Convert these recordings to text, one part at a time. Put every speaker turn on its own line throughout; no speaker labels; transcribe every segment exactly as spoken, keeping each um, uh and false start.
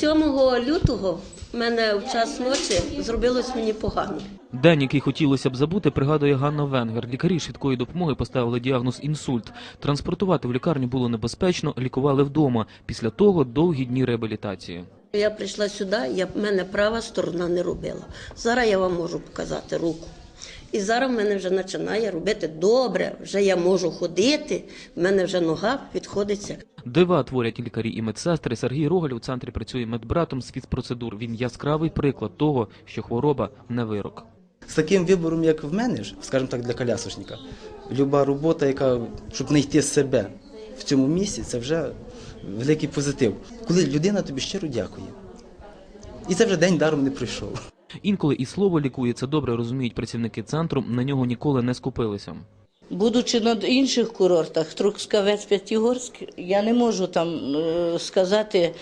сьомого лютого в мене в час ночі зробилось мені погано.
День, який хотілося б забути, пригадує Ганна Венгер. Лікарі швидкої допомоги поставили діагноз інсульт. Транспортувати в лікарню було небезпечно, лікували вдома. Після того довгі дні реабілітації.
Я прийшла сюди, я, в мене права сторона не робила. Зараз я вам можу показати руку. І зараз в мене вже починає робити добре, вже я можу ходити, в мене вже нога відходиться.
Дива творять лікарі і медсестри. Сергій Рогаль у центрі працює медбратом з фізпроцедур. Він яскравий приклад того, що хвороба не вирок.
З таким вибором, як в мене, скажімо так, для колясочника, люба робота, яка, щоб знайти себе в цьому місці, це вже великий позитив. Коли людина тобі щиро дякує. І це вже день даром не пройшов.
Інколи і слово лікує, це добре розуміють працівники центру, на нього ніколи не скупилися.
Будучи на інших курортах, Трускавець, П'ятигорськ, я не можу там е, сказати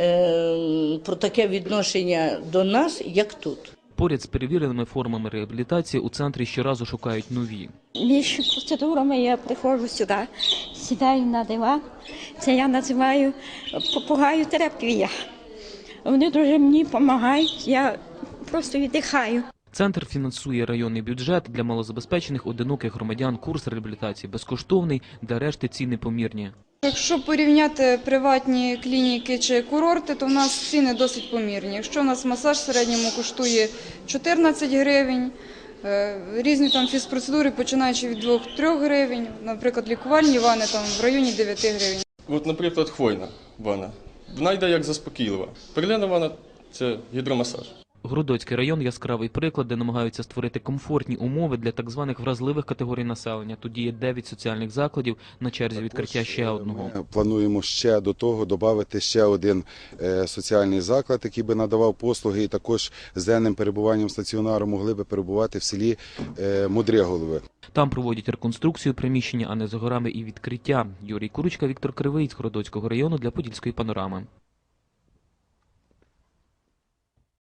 е, про таке відношення до нас, як тут.
Поряд з перевіреними формами реабілітації у центрі щоразу шукають нові.
Між процедурами я приходжу сюди, сідаю на диван. Це я називаю попугаю-терапія. Вони дуже мені допомагають, я просто віддихаю.
Центр фінансує районний бюджет. Для малозабезпечених одиноких громадян курс реабілітації безкоштовний, для решти ціни помірні.
Якщо порівняти приватні клініки чи курорти, то в нас ціни досить помірні. Якщо у нас масаж в середньому коштує чотирнадцять гривень, різні там фізпроцедури, починаючи від двох-трьох гривень, наприклад, лікувальні ванни там в районі дев'яти гривень.
От, наприклад, хвойна ванна. Вона йде як заспокійлива. Перлина ванна – це гідромасаж.
Грудоцький район – яскравий приклад, де намагаються створити комфортні умови для так званих вразливих категорій населення. Тут є дев'ять соціальних закладів, на черзі відкриття ще одного.
Ми плануємо ще до того додати ще один соціальний заклад, який би надавав послуги, і також з денним перебуванням стаціонару могли би перебувати в селі Мудреголове.
Там проводять реконструкцію приміщення, а не за горами і відкриття. Юрій Курочка, Віктор Кривий з Городоцького району для Подільської панорами.